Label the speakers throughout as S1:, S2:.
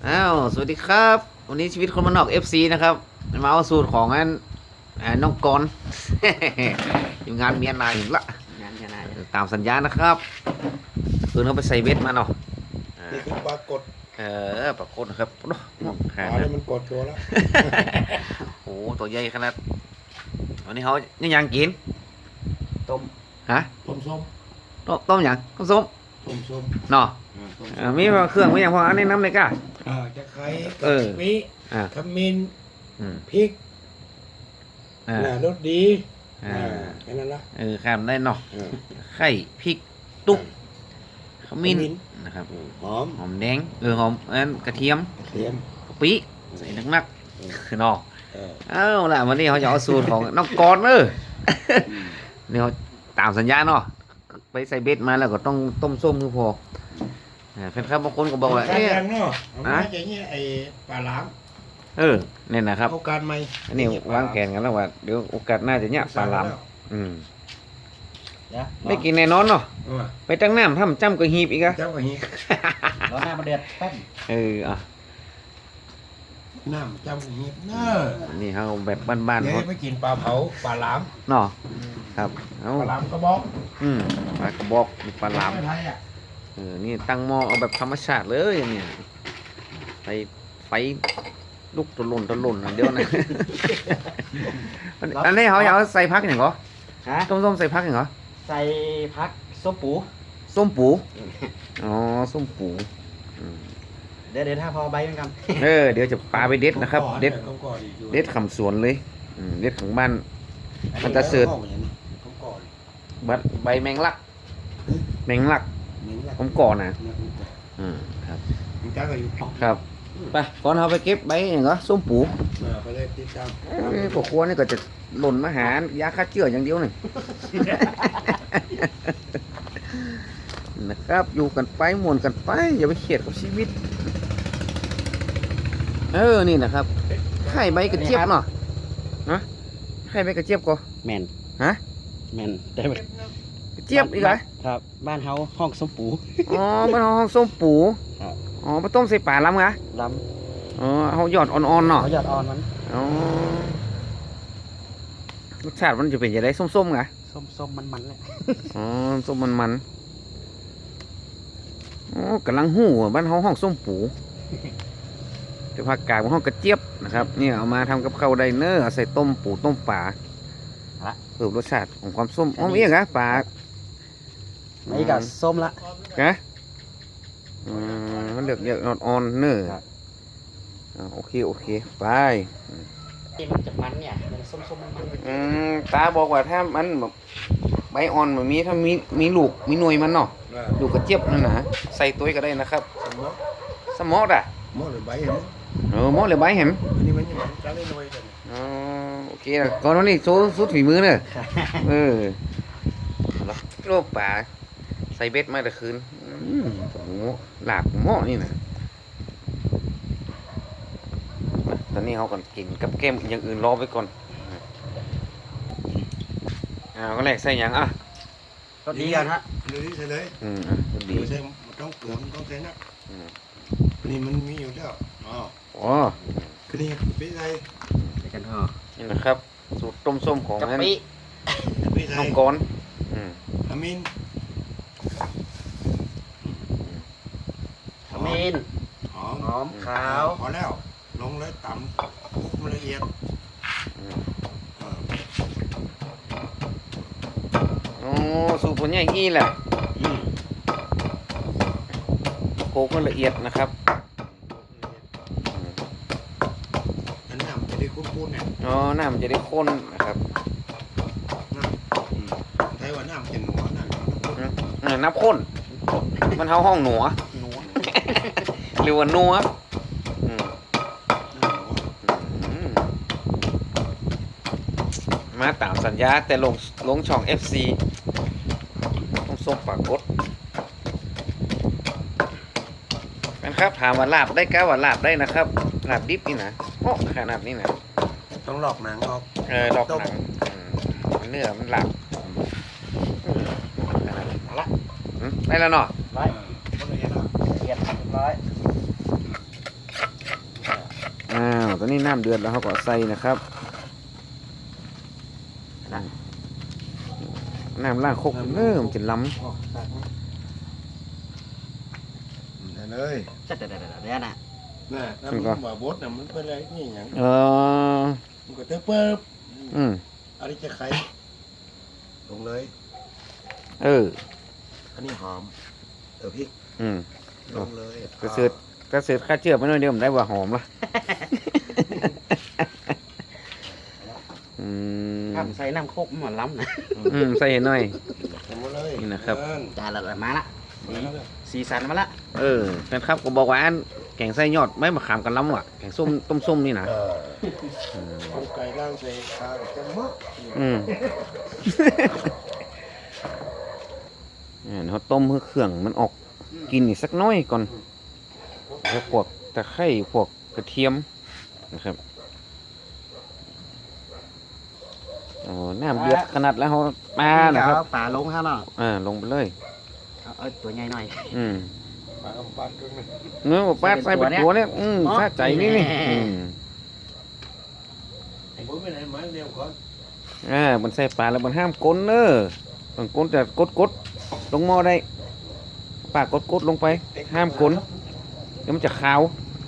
S1: สวัสดีครับวันนี้ชีวิตคนมันนอก FC นะครับมาเอาสูตรของน้องกรณ์ อยู่งานเมียนายอยู่ละ
S2: งานนาย
S1: ตามสัญญานะครับคืนเขาไปใส่เบ็ดมาเนาะ
S3: นี่คือปรากฏ
S1: ปรากฏนะครับ
S3: ปลาเนี่ยมันกดตัวแล้ว
S1: โอ้ตัวใหญ่ขนาดวันนี้เขานี่ยังกิน
S2: ต้ม
S1: ฮะ
S3: ต้มส้ม
S1: ต้มยังต้มส้ม
S3: ต้มส้ม
S1: เนาะมีเครื่องมีอย่างพออันนี้น้ำเลยก้า
S3: จะไข่
S1: เออ
S3: มี ขมิ้นพริกรสดีแค่นั้นละ
S1: ข้ามได้เนาะไข่พริกตุ๊กขมิ้นนะครับ
S3: หอม
S1: แดงหอมกระเทียมกะปิใส่นักคือเนาะล่ะวันนี้เขาจะเอาสูตรของน้องกรณ์นี่เขาตามสัญญาเนาะไปใส่เบ็ดมาแล้วก็ต้องต้มส้มคือพอแฟนคลับบางคนก็บอกว่า
S3: อย่างเนาะอย่างเงี้ยไอ้ปลาหลาม
S1: เนี่ยนะครับ
S3: โอกาสใหม่
S1: อันนี้วางแผนกันแล้วว่าเดี๋ยวโอกาสหน้าจะเนี่ยปลาหลามไม่กินแน่นอนเนาะไปตั้งน้ำทำจ้ำก็หีบอีกอะ
S3: จ้ำก็หีบ
S2: รอหน้ามาเดือดแป๊บ
S3: น้ำจ้ำก็หีบ
S1: นี่เขาแบบบ้านๆ
S3: เขาไปกินปลาเผาปลาหลาม
S1: เนาะครับ
S3: ปลาหลามกระบอก
S1: ปลากระบอกปลาหลามนี่ตั้งหม้อเอาแบบธรรมชาติเลยเนี่ยไฟลูกตะลุนเดี๋ยวนะอันนี้เขาอยากใส่พักอย่างเหรอต้มใส่พักอย่างเหรอ
S2: ใส่พักส้มปู
S1: อ๋อส้มปู
S2: เดี๋ยวถ้าพอใบเหมือนกัน
S1: เดี๋ยวจะปลาไปเด็ดนะครับเด็ดขำสวนเลยเด็ดของบ้านมันจะเสือใบแมงลักผมก่อนนะครับครับไปก่อนเราไปเก็บใบอย่างเหรอส้มปู
S3: ไปเลยติดตาม
S1: พวกครัวนี่ก็จะหล่นมาหายาฆ่าเชื้ออย่างเดียวหนึ่งนะครับอยู่กันไปม่วนกันไปอย่าไปเขียดกับชีวิตนี่นะครับไข่ใบกระเจี๊ยบเนาะนะไข่ใบกระเจี๊ยบก็
S2: แมนแมนแต่
S1: กระเจี๊ยบอีกเหรอ
S2: ครับบ้านเฮาห้องส้มปู
S1: บ้านเฮาห้องส้มปูมาต้มใส่ป่าล้ำกะเขาหยอดอ่อนๆเนาะ
S2: เขาหยอดอ่อนมัน
S1: รสชาติมันจะเป็นยังไงส้มๆกะ
S2: ส้มมันเลย
S1: ส้มมันกำลังหูบ้านเฮาห้องส้มปูจะผักกาดของห้องกระเจี๊ยบนะครับเนี่ยเอามาทำกับข้าวไดเนอร์ใส่ต้มปูต้มปลาเพิ่มรสชาติของความส้มมีอย่างปลา
S2: ไม่กับส้มละ
S1: มันเดือดอ่อนๆเนอโอเคไป
S2: มันจะมันเนี่ยส้ม
S1: มันตาบอกว่าถ้ามันแบบใบอ่อนแบบนี้ถ้ามีลูกมีหน่วยมันเนาะลูกกระเจี๊ยบนั่นนะใส่ตัวก็ได้นะครับสมอด
S3: หม้อหรือใบเห็น
S1: หม้อหรือใบเห็น
S3: อันนี้มันยังจะได้หน่วยกัน
S1: โอเคก่อนวันนี้สุดฝีมือเนอะโลกป่าใส่เบ็ดมาแต่คืนหลาบหม้อนี่นะตอนนี้เขาก่อนกินกับแก้มอย่างอื่นรอไว้ก่อนก็แรกใส่ยัง
S2: ก็ดีกันฮะ
S3: เลยใส่เลย
S1: ดี
S3: ใส่ต้องเปลือกต้องใส่นะนี่มันมีอยู่แล้วคือนี่ไปใส่
S2: กัน
S1: นี่นะครับสูตรต้มส้มของนั้นน้องกรณ์
S3: ขมิ้น
S2: หอมขาว
S3: พอแล้วลงเลยตำคลุกมันละเอียด
S1: สูตรผลใหญ่งี้แหละโคกมันละเอียดนะครับ
S3: น้ำจะได้ข้นๆเนี่ย
S1: น้ำจะได้ข้นนะครับ
S3: ใช้ว่าน้ำเป็นหนัว
S1: น้ำข้นมันเท่าห้องหนัวหรือว่านัวมาตามสัญญาแต่ลงช่อง FC ต้องส่งปากกดกันครับถามว่าลาบได้ก้าว่าลาบได้นะครับลาบดิบนี่นะขนาดนี้นะ
S3: ต้องหลอกหนังออก
S1: หลอกหนังเนื้อมันลาบได้แล้วเนาะ
S2: ร้อยเรียบร้อย
S1: ตอนนี้น้ำเดือดแล้วเขาก็ใส่นะครับน้ำล้างคกเริ่มจะล้
S3: ออกตักมา
S4: ได้เลย
S2: จัดเดี๋ยวนะ
S3: น่ะน้ำมันว่าบดน่ะมันเป็นอะไรนี่หยัง
S1: ำ
S3: มันก็เตะเปิบ
S1: อืม
S3: อันนี้จะไข่
S4: ลงเลย อันนี้หอมพริก
S1: อืม
S4: ลงเลย
S1: กระเสือข้าเชื่อไปหน่อยเดียวมันได้ว่าหอมละอืม
S2: ถ้าใส่น้ำโคกมันล้ำนะ
S1: ใส่หน่อย
S3: ทำมาเลย
S1: นี่นะครับ
S2: จานละมาละสีสันมาละ
S1: แฟนครับก็บอกว่าอันแกงไส้ยอดไม่มาขามกันล้ำว่ะแกงส้มต้มส้มนี่นะ
S3: เอาไก่ล่างใส่ข้าวจะมะ
S1: อืม เขาต้มให้เครื่องมันออกกินอีกสักน้อยก่อนแล้วพวกตะไคร้พวกกระเทียมนะครับโอ้น้ำเดือดขนาดแล้วเขามานะครับ
S2: ป่าลงฮะเนาะ
S1: ลงไปเลย
S2: เอาตัวใหญ่หน่อย
S3: ปลากำปั้นด้วยนะ
S1: เนื้อปลาใส่เป็นตัวเนี่ยซาใจนี่นี่
S3: ผมไม่ไหนมาเร็วก่อน
S1: มันใส่ปลาแล้วมันห้ามก้นเนอะต้องก้นแต่กดลงหม้อได้ปลากดลงไปห้ามก้นเดี๋ยวมันจะขาว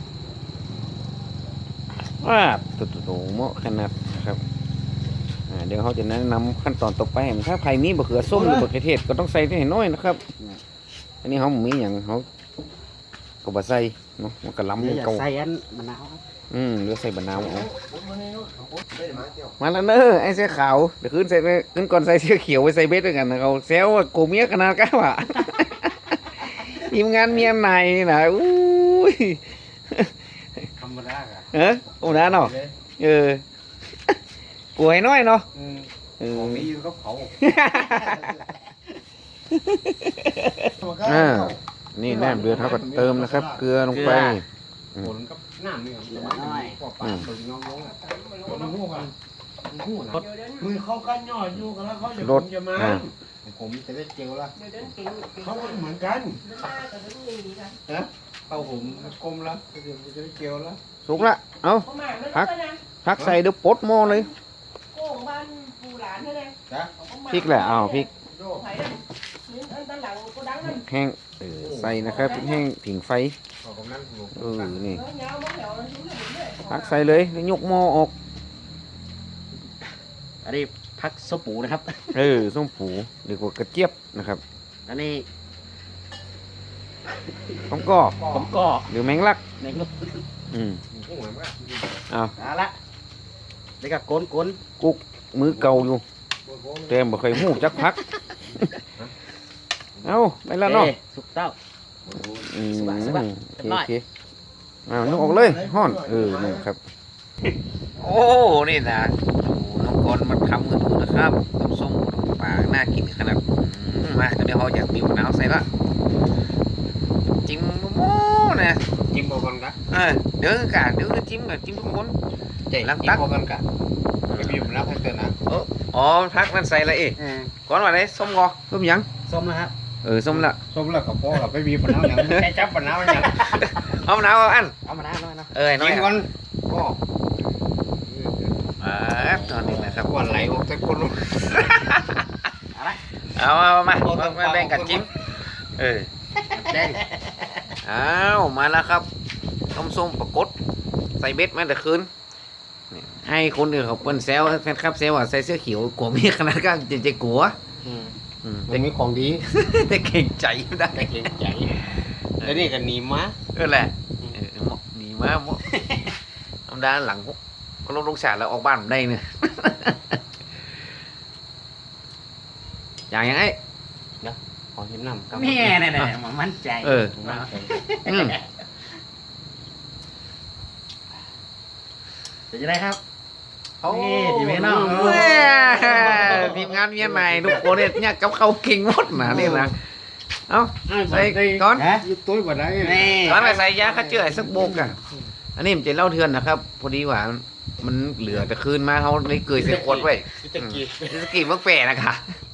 S1: ตัวเหมาะขนาดนะครับเดี๋ยวเขาจะแนะนำขั้นตอนต่อไปถ้าใครมีบะเขือส้มหรือบะเขือเทศก็ต้องใส่ให้น้อยนะครับ อันนี้เขามีอย่างเขาก็บะใส่เนาะมันก็ล้ำ
S2: เดี๋ยว
S1: เก่า
S2: ใส่อันมะนาว
S1: หรือใส่บะนาวเอา
S3: ผมมาเนี่ยผมไม่ได้มาเที่ยว
S1: มาแล้วเนอะไอ้เสื้อขาวเดี๋ยวขึ้นก่อนใส่เสื้อเขียวไปใส่เบสด้วยกันนะเขาแซวว่าโกเมียขนาดก้าวอ่ะ ทีมงานเมียนายนี่นะอุ้ย
S3: ธรรมดาอ่ะ
S1: โอ้น้าเนาะกูให้น้อยเนาะ
S3: มีอยู่กับเขา
S1: นี่น้ำเดือดเขาก็เติมนะครับ เกลือลงไป
S3: ผลกับน้ำนี่ปลาตัวน้องๆอ่ะมันหู้กันมันหู้นะมือเขากันย่ออยู่กันแล้วเขาจะผมจะมาผมจะได้เจลละเขาก็เหมือนกันเอาผมกลมละเดี๋ยวจะได้เจลละ
S1: สุกละเอาพักใส่เดี๋ยวปดหม้อเลย
S5: โก้บ้านปูหลานเท่านั้น
S1: พริกแหละพริก
S5: ไผ่นั่นซื้ออันด้านหลังก็ดังนั่น
S1: แห้งใส่นะครับพริกแห้งผิงไฟ นี่
S5: เงาบ้องเหวซื้อเลย
S1: พักใส่เลยแล้วยกหม้อออก
S2: อันนี้พักโซปูนะครับ
S1: ส้มผูหรือกว่ากระเจี๊ยบนะครับ
S2: อันนี้
S1: ผมก็
S2: ผมก็
S1: หรือแมงลัก
S2: ในกลุ่ม
S1: เอา
S2: เอาละแล้วก็กน
S1: กุ๊กมือเก่าอยู่แต่บ่เคยหูจักพัก เอาไปแล้วเนาะ
S2: สุกเต้า สบาย
S1: โอเคนึกออกเลยห้อนนี่ครับ โอ้นี่นะน้องกอนมันทำกันดูนะครับต้มส้มปลาน่ากินขนาดมาเดี๋ยวเขาอยากมีมะนาวใส่ละจิ้มโม่นะ
S3: จิ้มเอากันกะ
S1: เดี๋ยวจิ้มทุกคน
S3: ใจล้างตักเอากันกะไปบีบน้ำให้เกินนะ
S1: อ๋อพักนั่นใส่ละก่อนว่าไรส้มกอส้มยัง
S2: ส้มนะครับ
S1: ส้มละ
S3: ส้มแล้วกับพ่อกับไปบีบน้ำอย่างแค่จับน้ำอย่าง
S1: เอามะนาวเอาอัน
S2: เอามะนาวหน่อยเนาะ
S1: น้อย
S3: จิ้มกันก็
S1: ตอนนี้นะครับ
S3: วันไหลออกแต่คน
S1: เอามาแบ่งกันจิ้ม
S2: แดง
S1: มาแล้วครับต้มส้มปรากฏใส่เบ็ดมาแต่คืนให้คนอื่นเขาเปิ้นแซวแฟนคลับแซวว่าใส่เสื้อเขียวกลัวมีขนาดก็จะกลัว
S3: มันมีของดี
S1: แต่เก่งใจไม่ได้
S3: แต่เก่งใจแล้วนี่ก็หนีมา
S1: แหละหนีมาธรรมดาหลังก็ลงฉากแล้วออกบ้านได้เนี่ยอย่างยังไง
S3: ขอเห็นน้ำ
S2: แม่เนี่ยมันมั่นใจ เดี๋ยวจะได้ครับทีมงานน้อง
S1: ทีมงานเมียใหม่ทุกคนเนี่ยกับเขาเก่งหมดนะนี่นะเอาใส่ก้อน
S3: ยุบตุ้ยกว่าได้
S1: ก้อนไปใส่ยาฆ่าเชื้อสักโบกอ่ะอันนี้มันจะเล่าเทือนนะครับ พอดีว่ามันเหลือแต่คืนมาเขาเลยเกยเสียขวดไว้
S3: ตะกี้
S1: สกีมักแปรนะคะ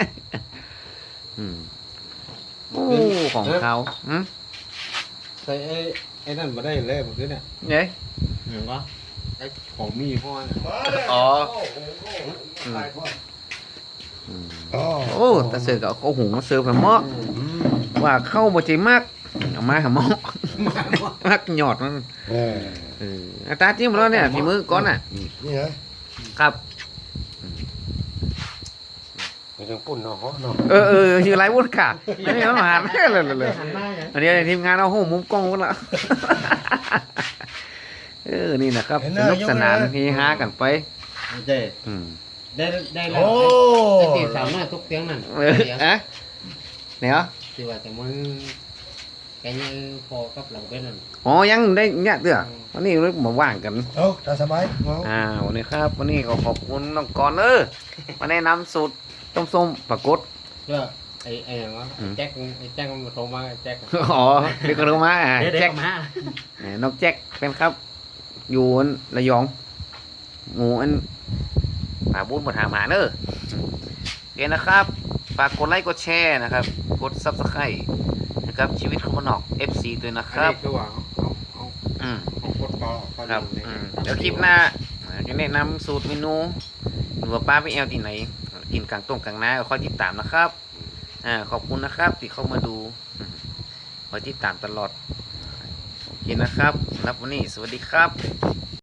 S1: โอ้ของเขา
S3: ใส่ไอ้นั่นมาได้เลยเมื่อกี้เนี่ย
S1: เนี่ย
S2: หนึ่งก็
S3: ไอ้ของมีพ่อ
S1: อ๋อ
S4: อ๋อ
S1: โอ้ตาเสือก็เอาข้าวหุงมาเสิร์ฟให้หม้อว่าเข้าบ่ใจมากเอามาให้หม้อมักหยอดมัน
S4: เออ
S1: อาตาจิ้มแล้วเนี่ยฝีมือก่อนน่ะ
S4: นี่นะครับ มันยังปุ่นเนาะเนาะ
S1: ชื่ออะไรวุ้นค่ะอันนี้มันหันเลย
S2: หันหน้าอย่าง
S1: อันนี้ทีมงานเอาโหมุมกล้องกันละนี่นะครับสนุกสนานเฮฮากันไป
S2: เจ๊
S1: อืม
S2: ได้แล้ว
S4: โอ้
S2: ตีสาวน้อยทุกเตียงนั่น
S1: อะเนี่ยเหรอ
S2: ที่ว่าแต่มึงแกยังพอกับหลังเป็นนั่น
S1: อ๋อยังได้เนี่ยเด้อวันนี้เรามาว่างกัน
S4: เอาตาสบายเอา
S1: วันนี้ครับวันนี้ก็ขอบคุณน้องกรมาแนะนำสูตรต้มส้มปลากด
S2: เพื่อไอ้อย่างวะแจ็คมันโทรมาแจ็ค
S1: อ๋อเด็กคนรู้มาแจ็ค
S2: มา
S1: น้องแจ็คเป็นครับ อยู่ระยองหมูอันป่าบุญบนหาหมาเนอะโอเคนะครับฝากกดไลค์กดแชร์นะครับกด Subscribe นะครับชีวิตของมนอก FC ด้วยนะครับ
S3: คือว่าเอา
S1: อืม
S3: เอากดต่อ
S1: ครับเดี๋ยวคลิปหน้าจะแนะนำสูตรเมนูหรือว่าป้าไปแอลที่ไหน กินกลางต้มกลางนาก็ค่อยติดตามนะครับขอบคุณนะครับที่เข้ามาดูคอยติดตามตลอดโอเคนะครับสำหรับวันนี้สวัสดีครับ